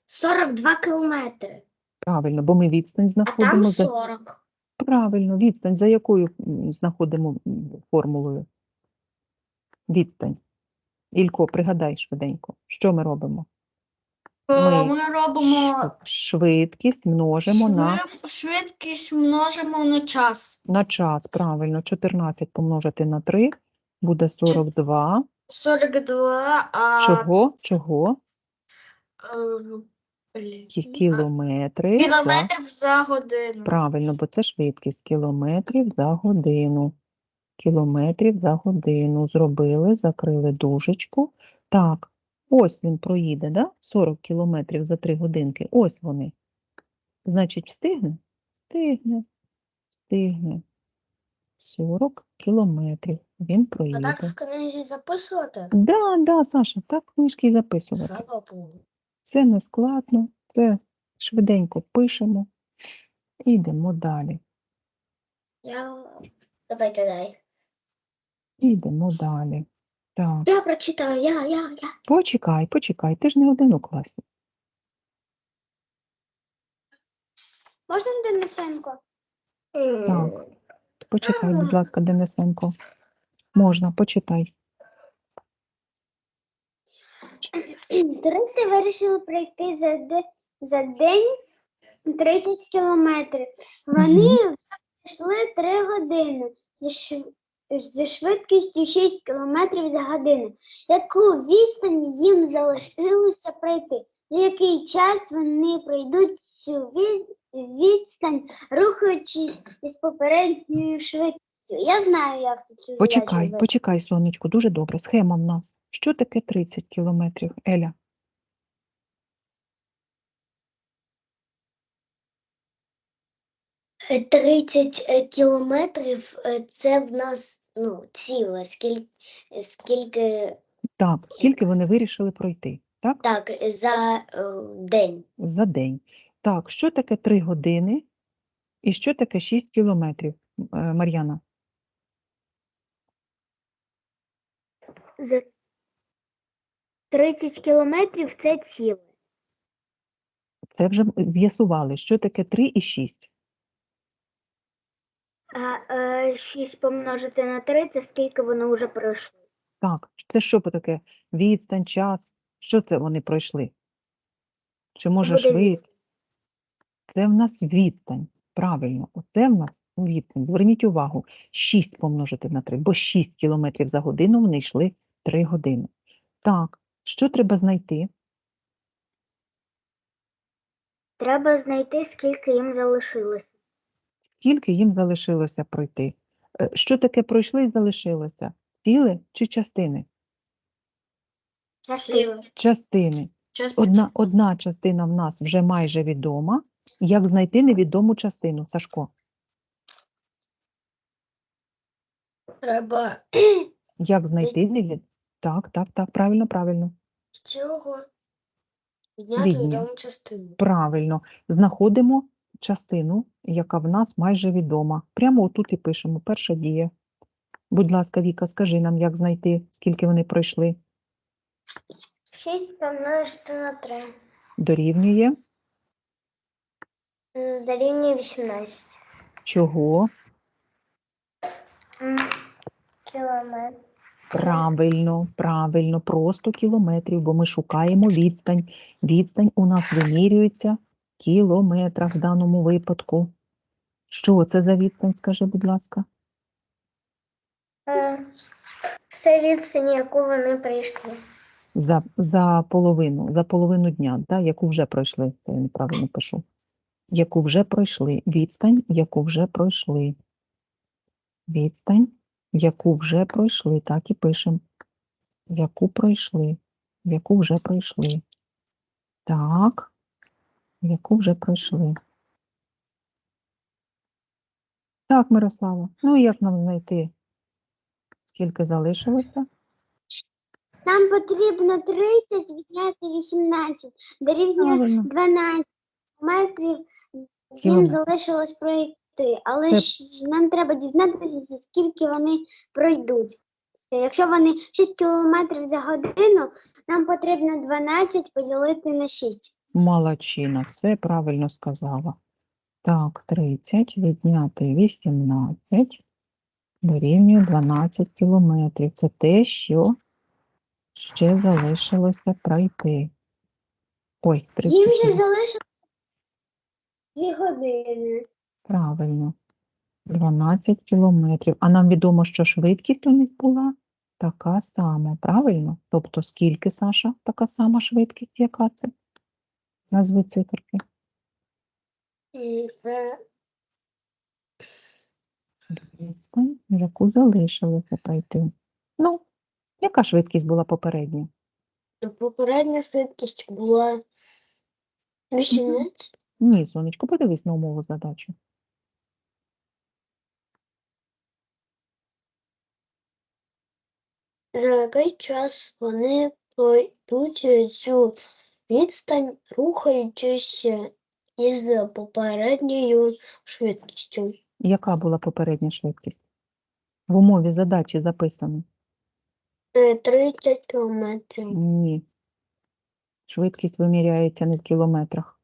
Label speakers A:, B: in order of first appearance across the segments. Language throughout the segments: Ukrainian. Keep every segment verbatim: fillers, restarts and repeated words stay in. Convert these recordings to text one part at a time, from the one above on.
A: сорок два кілометри.
B: Правильно, бо ми відстань
A: А
B: знаходимо.
A: там
B: За...
A: сорок.
B: Правильно, відстань. За якою м, знаходимо м, формулою? Відстань. Ілько, пригадай швиденько. Що ми робимо? Ми
A: Ми робимо
B: ш- швидкість множимо на,
A: швид- швидкість множимо на час.
B: на час. Правильно, чотирнадцять помножити на три буде сорок два.
A: сорок два, а
B: Чого? Чого?
A: е, блін,
B: Кі-
A: а,
B: Кілометри за...
A: кілометрів за годину.
B: Правильно, бо це швидкість. Кілометрів за годину. Кілометрів за годину. Зробили, закрили дужечку. Так, ось він проїде, да? сорок кілометрів за три годинки. Ось вони. Значить, встигне? Встигне. Встигне. сорок кілометрів. Він
A: А так
B: проїде.
A: в книзі записувати?
B: Да, да, Саша, так книжки і записувати.
A: Слава Богу.
B: Це не складно, це швиденько пишемо і йдемо далі.
A: Я... Давайте дай.
B: Йдемо далі. Так,
A: Я прочитаю, я, я, я.
B: почекай, почекай, ти ж не один у класі.
A: Можна Денисенко?
B: Так, почекай, будь ласка, Денисенко. Можна, почитай.
A: Туристи вирішили пройти за, де, за день тридцять кілометрів. Вони
B: Мгм.
A: вже пройшли три години зі, шв... зі швидкістю шість кілометрів за годину. Яку відстань їм залишилося пройти? За який час вони пройдуть цю від... відстань, рухаючись із попередньою швидкістю? Я знаю, як тут цю задачу
B: Почекай,
A: вирішити.
B: почекай, сонечко, дуже добре. Схема в нас. Що таке тридцять кілометрів, Еля?
A: тридцять кілометрів це в нас ну, ціле, скільки, скільки
B: Так, скільки вони вирішили пройти, так?
A: так, за е, день.
B: За день. Так, що таке три години і що таке шість кілометрів, е, Мар'яна?
A: За тридцять кілометрів це ціле.
B: Це вже з'ясували, що таке три і шість.
A: А е, шість помножити на три, це скільки вони вже пройшли.
B: Так, це що таке? Відстань, час? Що це вони пройшли? Чи може
A: Буде
B: швидкість? Це в нас відстань. Правильно, оце в нас відстань. Зверніть увагу, шість помножити на три, бо шість кілометрів за годину вони йшли три години. Так, що треба знайти?
A: Треба знайти, скільки їм залишилося.
B: Скільки їм залишилося пройти? Е, Що таке пройшли і залишилося? Ціле чи частини?
A: Ціле.
B: Частини. Одна, одна частина в нас вже майже відома. Як знайти невідому частину, Сашко?
A: Треба
B: Як знайти невідому? Так, так, так, правильно, правильно.
A: з цього
B: Відняти відому частину. Правильно. Знаходимо частину, яка в нас майже відома. Прямо отут і пишемо. Перша дія. Будь ласка, Віка, скажи нам, як знайти, скільки вони пройшли.
A: шість помножити на три.
B: Дорівнює.
A: Дорівнює вісімнадцять.
B: Чого?
A: Кілометр.
B: Правильно, правильно, просто кілометрів, бо ми шукаємо відстань. Відстань у нас вимірюється в кілометрах в даному випадку. Що це за відстань, скажи, будь ласка?
A: Це відстань, яку вони прийшли.
B: За, за половину, за половину дня, да, яку вже пройшли, це я неправильно пишу. Яку вже пройшли, відстань, яку вже пройшли. Відстань, яку вже пройшли, так і пишемо. Яку пройшли, яку вже пройшли. Так, яку вже пройшли. Так, Мирослава, ну і як нам знайти, скільки залишилося?
A: Нам потрібно тридцять відняти вісімнадцять, дорівнює
B: Правильно.
A: дванадцять метрів їм
B: Кілометр.
A: залишилось пройти, але
B: Це-
A: ж нам треба дізнатися, за скільки вони пройдуть. Якщо вони шість кілометрів за годину, нам потрібно дванадцять поділити на шість.
B: Молодчина, все правильно сказала. Так, тридцять відняти вісімнадцять дорівнює дванадцять кілометрів. Це те, що ще залишилося пройти. Ой,
A: Їм
B: тридцять.
A: ще залишилося дві години.
B: Правильно. дванадцять кілометрів. А нам відомо, що швидкість у них була така сама, правильно? Тобто скільки, Саша, така сама швидкість, яка це? Назви циферки.
A: І, е,
B: Відстань, яку залишилося пройти. Ну, яка швидкість була попередня?
A: Попередня швидкість була вісімнадцять.
B: Ні, сонечко, подивись на умову задачі.
A: За який час вони пройдуть цю відстань, рухаючись із попередньою швидкістю?
B: Яка була попередня швидкість? В умові задачі записано.
A: Е, тридцять кілометрів.
B: Ні. Швидкість виміряється не в кілометрах.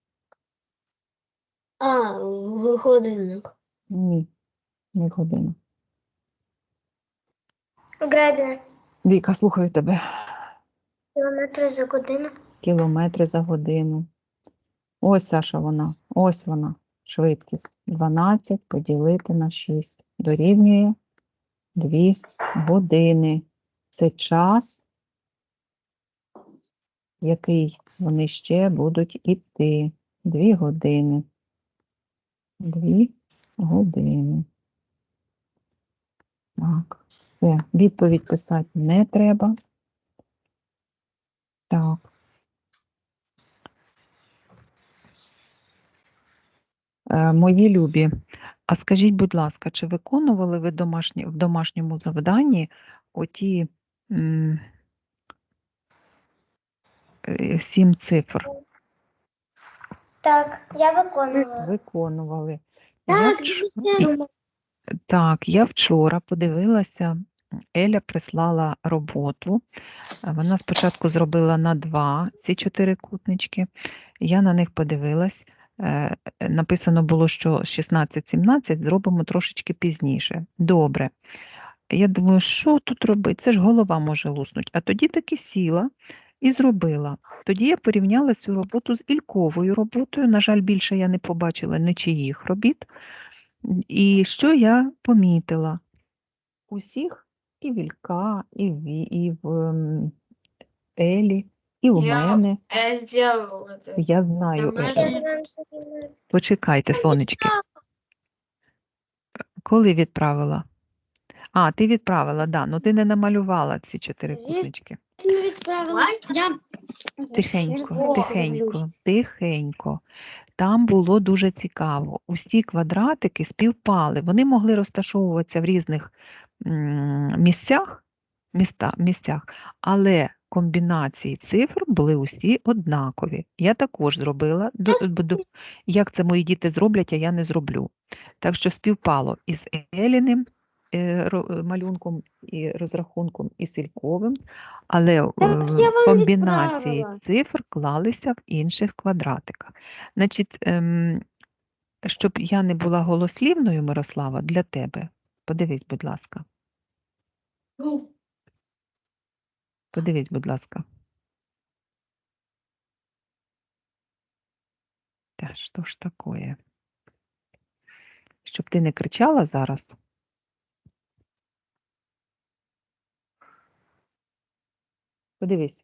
A: А, в годинах.
B: Ні, не в годину.
A: Гребля.
B: Віка, слухаю тебе.
A: Кілометри за годину.
B: Кілометри за годину. Ось, Саша, вона. Ось вона. Швидкість. дванадцять поділити на шість. Дорівнює дві години. Це час, який вони ще будуть іти. Дві години. Дві години. Так. Все. Відповідь писати не треба. Так. Е, Мої любі, а скажіть, будь ласка, чи виконували ви домашні, в домашньому завданні оті м, е, сім цифр?
A: Так, я виконувала.
B: Виконували. Я
A: Так,
B: вч-
A: звісно.
B: Так, я вчора подивилася, Еля прислала роботу. Е, Вона спочатку зробила на два ці чотирикутнички. Я на них подивилась. Е, Написано було, що шістнадцять сімнадцять зробимо трошечки пізніше. Добре. Я думаю, що тут робити? Це ж голова може луснути. А тоді таки сіла і зробила. Тоді я порівняла цю роботу з Ільковою роботою. На жаль, більше я не побачила нічиїх робіт. І що я помітила? Усіх і в Ілька, і в, Ві- і в ем, Елі, і у
C: Я-
B: мене.
C: Я сделала это.
B: Я знаю. е,
C: Домашнє-
B: е, Почекайте, сонечки. Коли відправила? А, ти відправила, да. Ну ти не намалювала ці чотирикутнички.
A: Не відправила. Я
B: Тихенько, тихенько, тихенько. Там було дуже цікаво. Усі квадратики співпали. Вони могли розташовуватися в різних м, місцях, міста, місцях, але комбінації цифр були усі однакові. Я також зробила. До- буду- Як це мої діти зроблять, а я не зроблю. Так що співпало із Еліним е, ро- малюнком і розрахунком і Сільковим, але е,
A: Так я вам
B: комбінації
A: відправила.
B: цифр клалися в інших квадратиках. Значить, ем, щоб я не була голослівною, Мирослава, для тебе, подивись, будь ласка. Подивись, будь ласка. Та що ж такое? Щоб ти не кричала зараз. Подивись.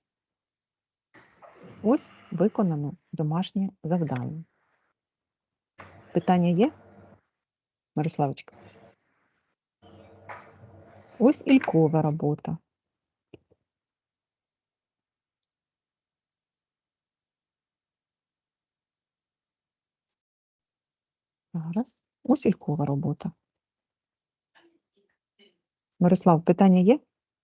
B: Ось виконано домашнє завдання. Питання є? Мирославочка? Ось Ількова робота. Зараз. Ось Ількова робота. Мирослав, питання є?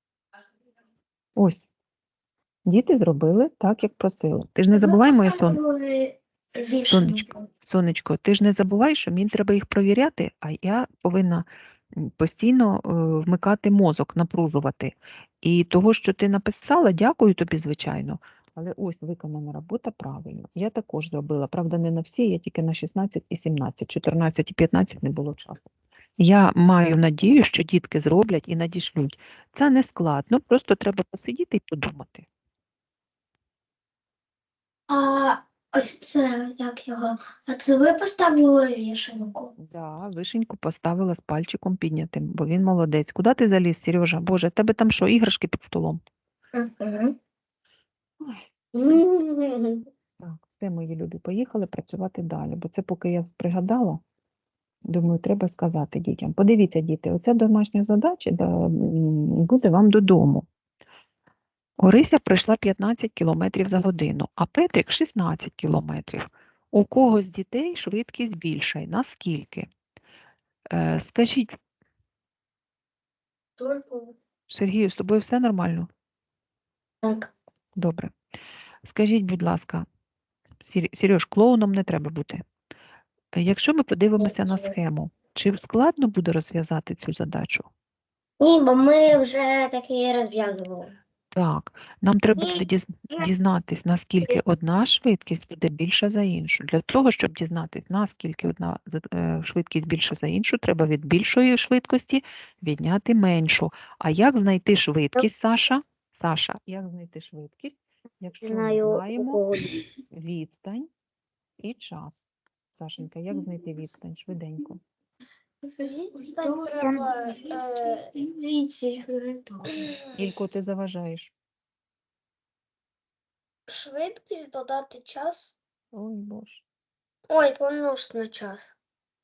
B: Ось. Діти зробили так, як просили. Ти ж не забувай, моє сон. Сонечко, сонечко, ти ж не забувай, що мені треба їх провіряти, а я повинна м, постійно е, вмикати мозок, напружувати. І того, що ти написала, дякую тобі, звичайно. але ось виконана робота правильно. Я також зробила, правда, не на всі, я тільки на шістнадцять і сімнадцять, чотирнадцять і п'ятнадцять не було часу. Я маю надію, що дітки зроблять і надішлють. Це не складно, просто треба посидіти і подумати.
C: А ось це, як його, а це ви поставили вішенку?
B: Да, вишеньку поставила з пальчиком піднятим, бо він молодець. Куди ти заліз, Сережа? Боже, в тебе там що, іграшки під столом?
C: Угу.
B: Так, все, мої любі, поїхали працювати далі, бо це поки я пригадала, думаю, треба сказати дітям. Подивіться, діти, оця домашня задача да, м, буде вам додому. Орися пройшла п'ятнадцять кілометрів за годину, а Петрик шістнадцять кілометрів. У кого з дітей швидкість більша? Наскільки? Е, скажіть, Сергію, з тобою все нормально?
C: Так.
B: Добре. Скажіть, будь ласка, Сер- Сереж, клоуном не треба бути. Е, Якщо ми подивимося на схему, чи складно буде розв'язати цю задачу?
C: Ні, бо ми вже такі розв'язували.
B: Так, нам треба
C: Ні.
B: буде діз- дізнатись, наскільки одна швидкість буде більша за іншу. Для того, щоб дізнатись, наскільки одна за- е, швидкість більша за іншу, треба від більшої швидкості відняти меншу. А як знайти швидкість, Саша? Саша, як знайти швидкість, якщо ми
A: Знаю, у
B: знаємо
A: кого
B: відстань і час? Сашенька, як знайти відстань? Швиденько.
C: Треба віці.
B: Ілько, ти заважаєш.
C: Швидкість додати час.
B: Ой, Боже.
C: Ой, помножити на час.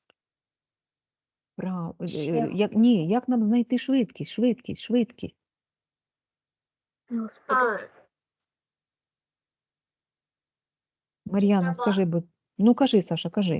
B: Прав... е,
C: Ще.
B: е, Як... Ні, як нам знайти швидкість? Швидкість, швидкість.
C: А,
B: Мар'яна,
C: Треба-
B: скажи, будь... Ну, кажи, Саша, кажи.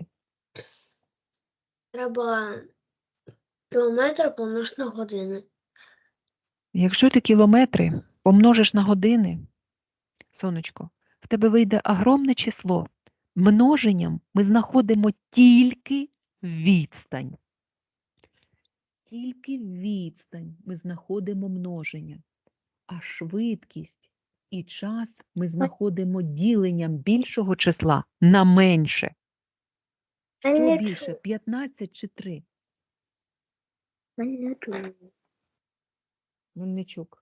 C: треба кілометр помножити на години.
B: Якщо ти кілометри помножиш на години, сонечко, в тебе вийде огромне число. Множенням ми знаходимо тільки відстань. Тільки відстань ми знаходимо множення. А швидкість і час ми знаходимо діленням більшого числа на менше. Що
A: не
B: більше, п'ятнадцять чи три? Мельничук.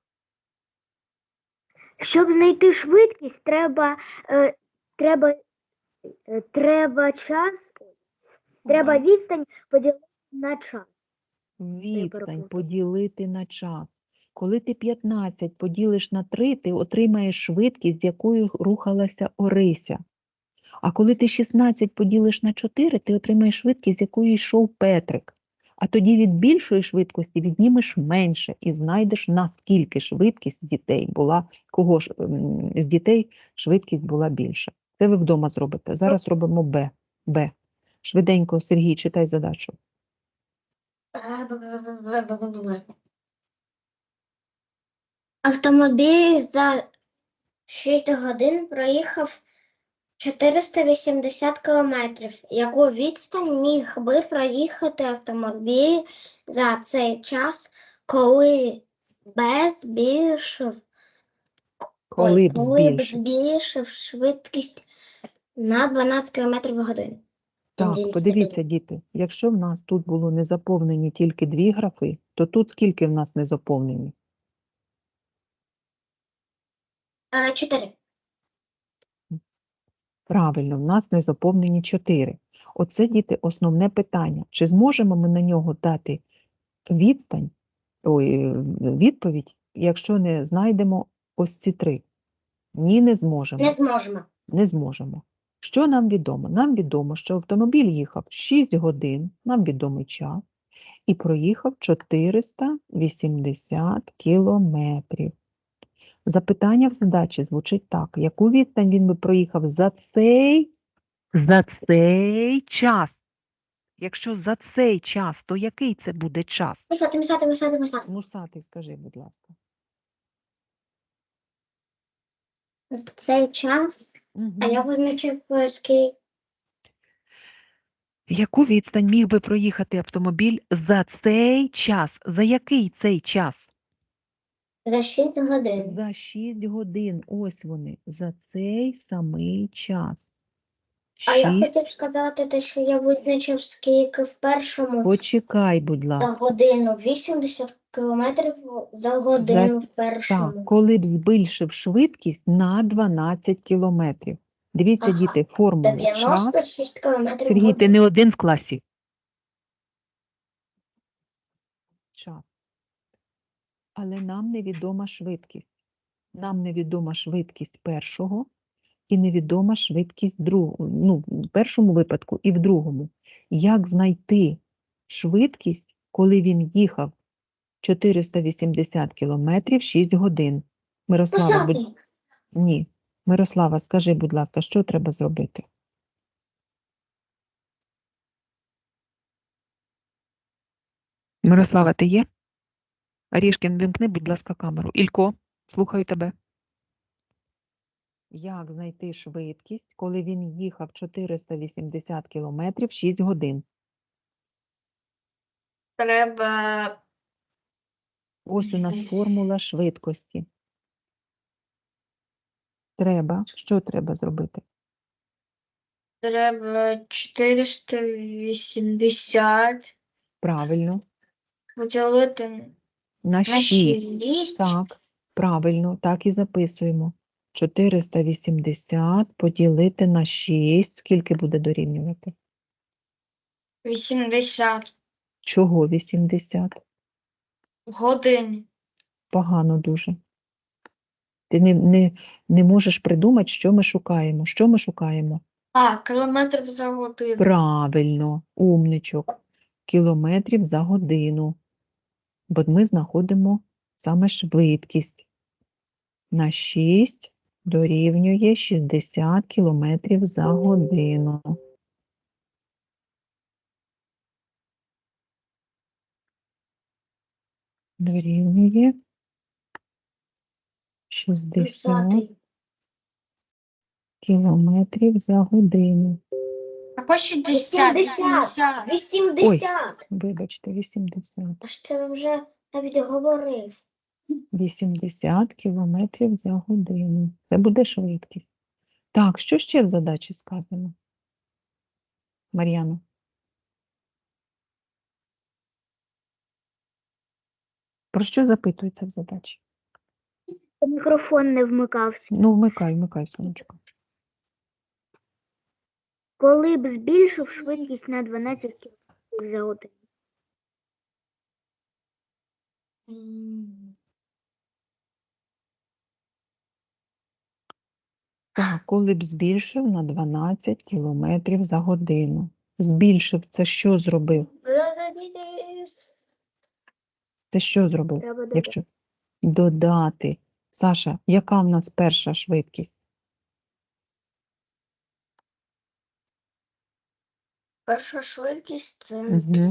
A: Щоб знайти швидкість, треба, е, треба, е, треба час, треба відстань поділити на час.
B: Відстань
A: перепутала.
B: поділити на час. Коли ти п'ятнадцять поділиш на три, ти отримаєш швидкість, з якою рухалася Орися. А коли ти шістнадцять поділиш на чотири, ти отримаєш швидкість, з якою йшов Петрик. А тоді від більшої швидкості віднімеш менше і знайдеш, наскільки швидкість дітей була, кого ж ем, з дітей швидкість була більша. Це ви вдома зробите. Зараз робимо Б. Б. Швиденько, Сергій, читай задачу.
C: Автомобіль за шість годин проїхав чотириста вісімдесят кілометрів. Яку відстань міг би проїхати автомобіль за цей час, коли б збільшив,
B: Коли
C: ой,
B: б
C: коли б
B: збільшив.
C: збільшив швидкість на дванадцять кілометрів в годину?
B: Так,
C: Він
B: подивіться, діти, якщо в нас тут було не заповнені тільки дві графи, то тут скільки в нас не заповнені?
C: А, чотири.
B: Правильно, в нас не заповнені чотири. Оце, діти, основне питання. Чи зможемо ми на нього дати відстань, ой, відповідь, якщо не знайдемо ось ці три? Ні, не зможемо.
C: Не зможемо.
B: Не зможемо. Що нам відомо? Нам відомо, що автомобіль їхав шість годин, нам відомий час, і проїхав чотириста вісімдесят кілометрів. Запитання в задачі звучить так. Яку відстань він би проїхав за цей, за цей час? Якщо за цей час, то який це буде час?
C: Писати, писати, писати, писати.
B: Мусатий, скажи, будь ласка.
C: Цей час,
B: Угу.
C: а я визначив скільки.
B: Яку відстань міг би проїхати автомобіль за цей час? За який цей час?
C: За шість годин.
B: За шість годин. Ось вони. За цей самий час.
C: А я
B: шість.
C: хотів сказати те, що я визначив, скільки в першому
B: Почекай, будь
C: за
B: ласка.
C: годину. вісімдесят кілометрів за годину в першому.
B: Так, коли б збільшив швидкість на дванадцять кілометрів. Дивіться,
C: Ага.
B: діти, формула
C: дев'яносто
B: час.
C: шість кілометрів в
B: Сергій, ти
C: годину.
B: не один в класі. Час. Але нам невідома швидкість. Нам невідома швидкість першого і невідома швидкість другого. Ну, в першому випадку і в другому. Як знайти швидкість, коли він їхав чотириста вісімдесят кілометрів шість годин? Мирослава, будь...
C: Поставте.
B: Ні. Мирослава, скажи, будь ласка, що треба зробити? Мирослава, ти є? Арішкін, вимкни, будь ласка, камеру. Ілько, слухаю тебе. Як знайти швидкість, коли він їхав чотириста вісімдесят кілометрів шість годин?
C: Треба
B: Ось у нас формула швидкості. Треба, що треба зробити?
C: Треба чотириста вісімдесят
B: Правильно.
C: поділити
B: На
C: на
B: шість.
C: шість.
B: Так, правильно, так і записуємо. чотириста вісімдесят поділити на шість. Скільки буде дорівнювати?
C: вісімдесят
B: Чого вісімдесят?
C: годин.
B: Погано дуже. Ти не, не, не можеш придумати, що ми шукаємо. Що ми шукаємо?
C: А, кілометрів за годину.
B: Правильно, умничок. Кілометрів за годину. Бо ми знаходимо саме швидкість. На шість дорівнює шістдесят кілометрів за годину. Дорівнює шістдесят
C: Писати.
B: кілометрів за годину.
C: Або шістдесят.
A: вісімдесят. вісімдесят.
B: Вибачте, вісімдесят.
C: А що ти вже навіть говорив?
B: вісімдесят кілометрів за годину. Це буде швидкість. Так, що ще в задачі сказано? Мар'яна. Про що запитується в задачі?
A: Мікрофон не вмикався.
B: Ну, вмикай, вмикай, сонечко.
A: Коли б збільшив швидкість на дванадцять км за годину.
B: Так, коли б збільшив на дванадцять кілометрів за годину. Збільшив, це що зробив? Це що зробив?
A: Треба додати.
B: Якщо додати. Саша, яка в нас перша швидкість?
C: Перша швидкість це
B: Угу.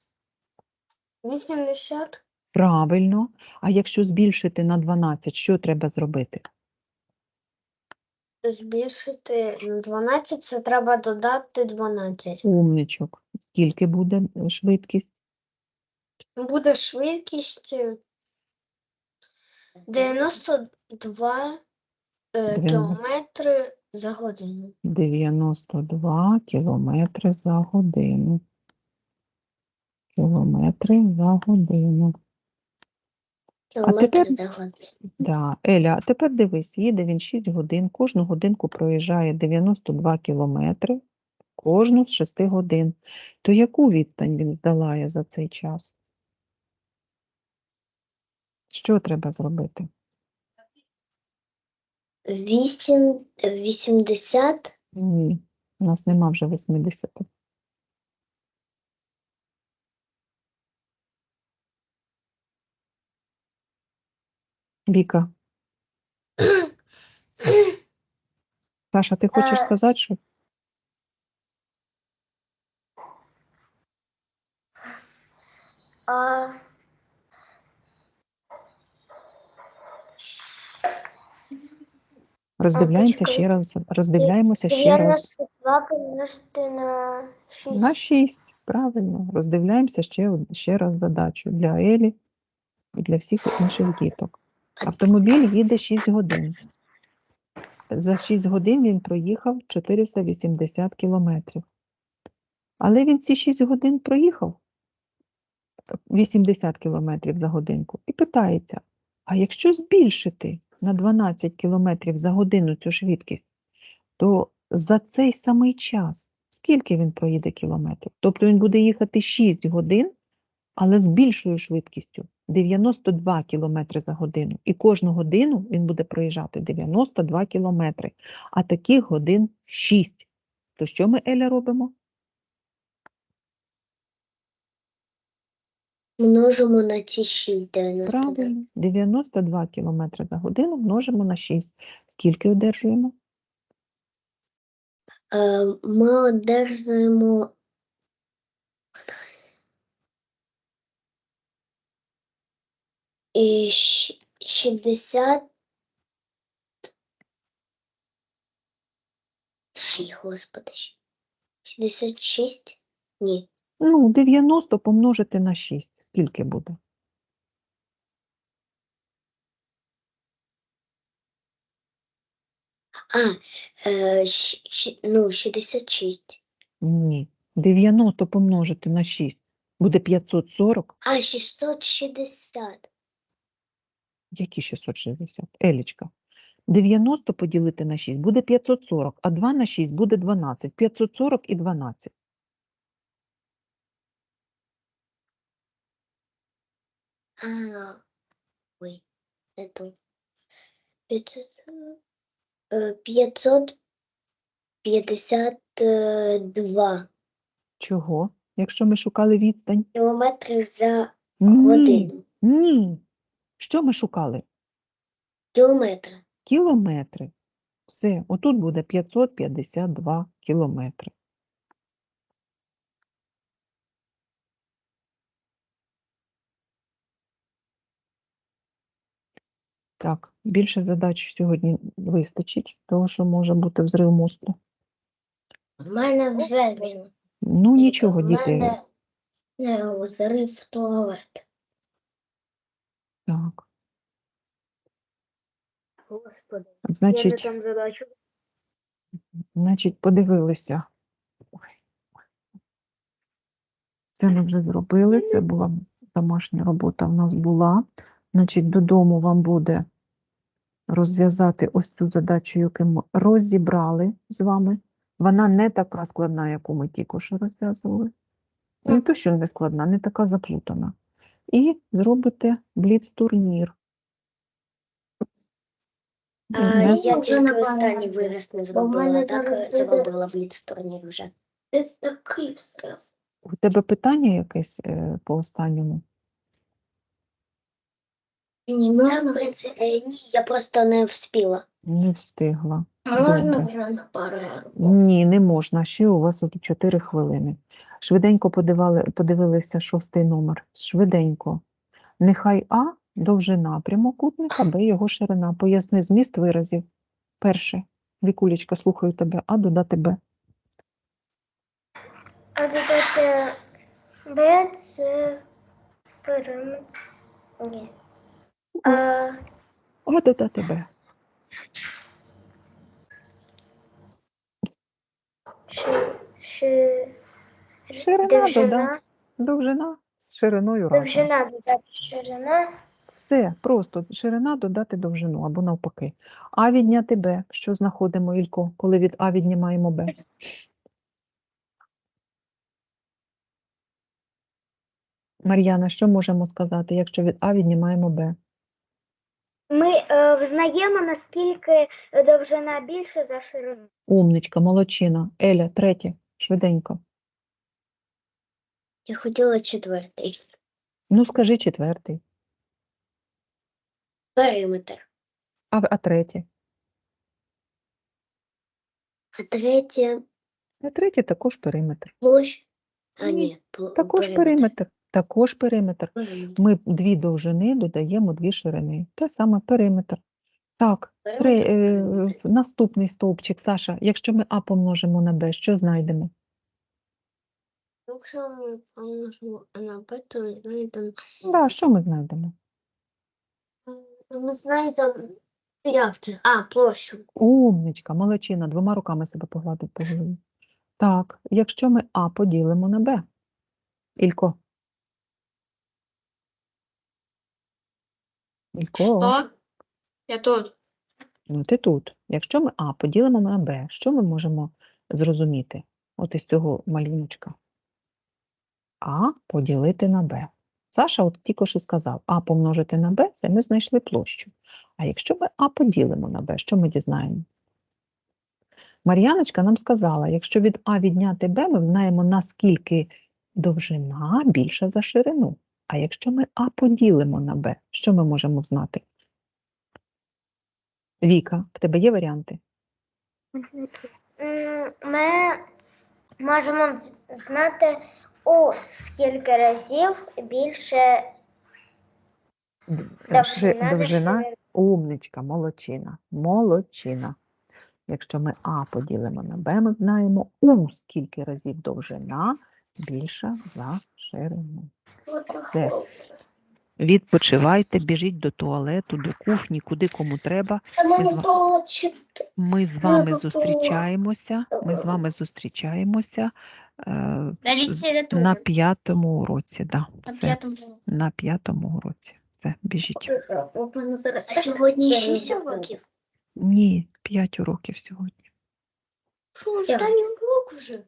C: вісімдесят.
B: Правильно. А якщо збільшити на дванадцять, що треба зробити?
C: Збільшити на дванадцять, це треба додати дванадцять.
B: Умничок. Скільки буде е, швидкість?
C: Буде швидкість е, дев'яносто два е,
B: Дев'яносто.
C: кілометри за годину.
B: дев'яносто два кілометри за годину. Кілометри за годину.
C: Кілометри
B: тепер-
C: за годину.
B: Да. Еля, а тепер дивись, їде він шість годин, кожну годинку проїжджає дев'яносто два кілометри, кожну з шести годин. То яку відстань він здолає за цей час? Що треба зробити?
C: Вісім, вісімдесят.
B: Ні, у нас нема вже вісімдесят. Віка, Саша, ти хочеш
C: Е.
B: сказати, що?
A: А
B: Роздивляємося
A: почекай.
B: ще раз, роздивляємося ще раз.
A: дев'яносто два помножити на шість.
B: На шість, правильно. Роздивляємося ще, од- ще раз задачу для Елі і для всіх інших діток. Автомобіль їде шість годин. За шість годин він проїхав чотириста вісімдесят кілометрів. Але він ці шість годин проїхав вісімдесят кілометрів за годинку і питається, а якщо збільшити на дванадцять кілометрів за годину цю швидкість, то за цей самий час скільки він проїде кілометрів? Тобто він буде їхати шість годин, але з більшою швидкістю дев'яносто два кілометри за годину. І кожну годину він буде проїжджати дев'яносто два кілометри, а таких годин шість. То що ми, Еля, робимо?
D: Множимо на ці шість дев'яносто два.
B: Правильно, дев'яносто два кілометри за годину множимо на шість. Скільки одержуємо?
D: Е, Ми одержуємо і щ- шістдесят. Ай, господи. шістдесят шість? Ні.
B: Ну, дев'яносто помножити на шість. Скільки буде?
D: А, е, щ- щ- ну, шістдесят шість.
B: Ні. дев'яносто помножити на шість буде п'ятсот сорок.
D: А, шістсот шістдесят.
B: Які шістсот шістдесят? Елічка. дев'яносто поділити на шість буде п'ятсот сорок, а два на шість буде дванадцять. п'ятсот сорок і дванадцять.
D: А, ой, не то. п'ятсот, е, п'ятсот п'ятдесят два
B: Чого? Якщо ми шукали відстань?
D: кілометри за
B: Ні.
D: годину.
B: Ні. Що ми шукали?
D: Кілометри.
B: Кілометри. Все, отут буде п'ятсот п'ятдесят два кілометри. Так, більше задач сьогодні вистачить, тому що може бути взрив мозку.
C: У мене вже він.
B: Ну, нічого,
C: У
B: діти.
C: мене не зарив туалет.
B: Так,
A: Господи,
B: значить,
A: там задачу.
B: значить, подивилися. Ой. Це ми вже зробили, це була домашня робота в нас була. Значить, додому вам буде розв'язати ось цю задачу, яку ми розібрали з вами. Вона не така складна, яку ми тільки що розв'язували. Не то, що не складна, не така заплутана. І зробите бліц-турнір.
D: А
B: Не-
D: я
C: вже
D: тільки
C: не
D: останній
C: пам'ятаю.
D: вираз не
C: Бо в
D: зробила,
C: мене
D: так
C: зараз
D: е,
C: буде-
D: зробила в ліц-турнірі вже.
C: Це такий взрив.
B: У тебе питання якесь е, по останньому?
C: Ні,
D: Я, в
C: можна,
D: принципі, е, ні, я просто не вспіла.
B: Не встигла.
C: можна
B: Добре.
C: вже на перерву.
B: Ні, не можна. Ще у вас от чотири хвилини. Швиденько подивали, подивилися шостий номер. Швиденько. Нехай А – довжина прямокутника, Б – його ширина. Поясни зміст виразів. Перше. Вікулечка, слухаю тебе. А додати Б.
A: А додати Б це периметр. Ні. А,
B: А додати Б.
A: чи, чи,
B: Ширина
A: довжина,
B: додати. Довжина з шириною разом.
A: довжина додати ширина,
B: Все, просто ширина додати довжину або навпаки. А відняти Б. Що знаходимо, Ілько, коли від А віднімаємо Б? Мар'яна, що можемо сказати, якщо від А віднімаємо Б?
A: ми е, взнаємо, наскільки довжина більша за ширину.
B: Умничка, молодчина. Еля, третє, швиденько.
D: Я хотіла четвертий.
B: Ну, скажи четвертий.
D: Периметр.
B: А, а третє?
D: А третє
B: А третє також периметр.
D: площ. А
B: Ні,
D: ні, пл-
B: Також периметр. Також периметр.
D: Периметр.
B: Ми дві довжини додаємо дві ширини. Те саме периметр. Так, три,
D: Периметр,
B: е,
D: периметр.
B: наступний стовпчик, Саша. Якщо ми А помножимо на Б, що знайдемо?
D: Якщо ми помножимо на Б, то знайдемо
B: Да, що ми знайдемо?
D: Не знаю там, як це? А, площу.
B: Умничка, молодчина, двома руками себе погладить по голові. Так, якщо ми А поділимо на Б. Ілько. Ілько,
C: Що? Я тут.
B: ну ти тут. Якщо ми А поділимо на Б, що ми можемо зрозуміти? От із цього малюночка. А поділити на Б. Саша от тільки що сказав, А помножити на Б, це ми знайшли площу. А якщо ми А поділимо на Б, що ми дізнаємо? Мар'яночка нам сказала, якщо від А відняти Б, ми знаємо, наскільки довжина більша за ширину. А якщо ми А поділимо на Б, що ми можемо знати? Віка, в тебе є варіанти?
A: Ми можемо знати, у скільки разів більше
B: Д-
A: довжина за
B: довжина,
A: ширину.
B: умничка, молодчина, молодчина. Якщо ми А поділимо на Б, ми знаємо, у скільки разів довжина більша за ширину. Все. Відпочивайте, біжіть до туалету, до кухні, куди кому треба. Ми з, ва- ми з вами зустрічаємося. Ми з вами зустрічаємося е,
C: На
B: з-
C: літературі.
B: на п'ятому уроці. Да,
C: На
B: все,
C: п'ятому.
B: на п'ятому уроці. Все, біжіть.
D: А сьогодні шість уроків?
B: Ні, п'ять уроків сьогодні.
D: Що, останній урок вже?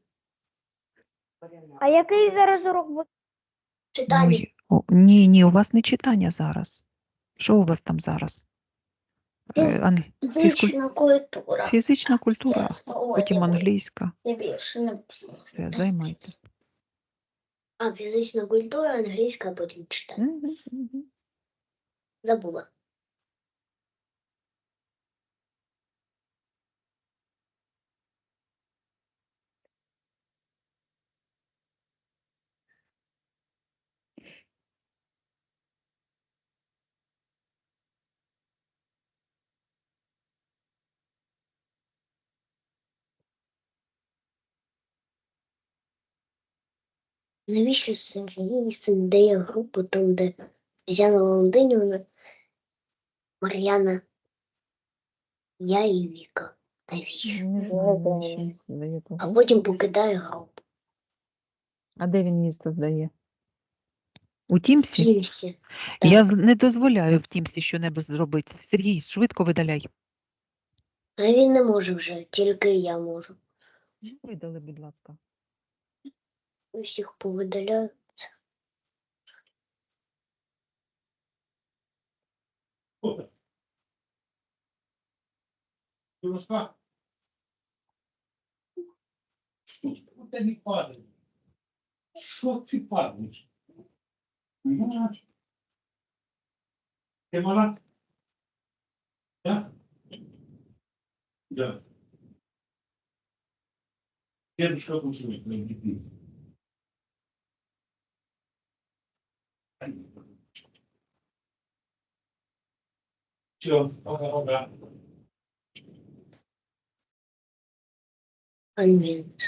A: А який зараз урок буде?
B: Ну,
D: Читання.
B: й- о, ні, ні, у вас не читання зараз. Що у вас там зараз? Е,
D: Фіз-
B: ан- фізкуль-
D: Фізична культура.
B: Фізична культура, потім
D: Ой,
B: англійська.
D: не більше, не
B: Все, займайте.
D: А, фізична культура, англійська, а потім читання.
B: Мгм, мгм.
D: Забула. Навіщо Сергій дає групу там, де Тетяна Валентинівна, Мар'яна, я і Віка? Навіщо?
B: Не знаю, навіщо він здає ту
D: А
B: групу.
D: потім покидає групу.
B: А де він місто здає? У
D: В
B: Тімсі?
D: Тімсі.
B: Я з- не дозволяю в Тімсі що-небудь зробити. Сергій, швидко видаляй.
D: А він не може вже, тільки я можу.
B: Видали, будь ласка.
D: Усіх повидаляю.
E: Что ты не падаешь? Что ты падаешь? Понимаешь? Ты мала? Да? Да. Дедушка слушает моих детей. Все, пока-пока.
D: Анвін.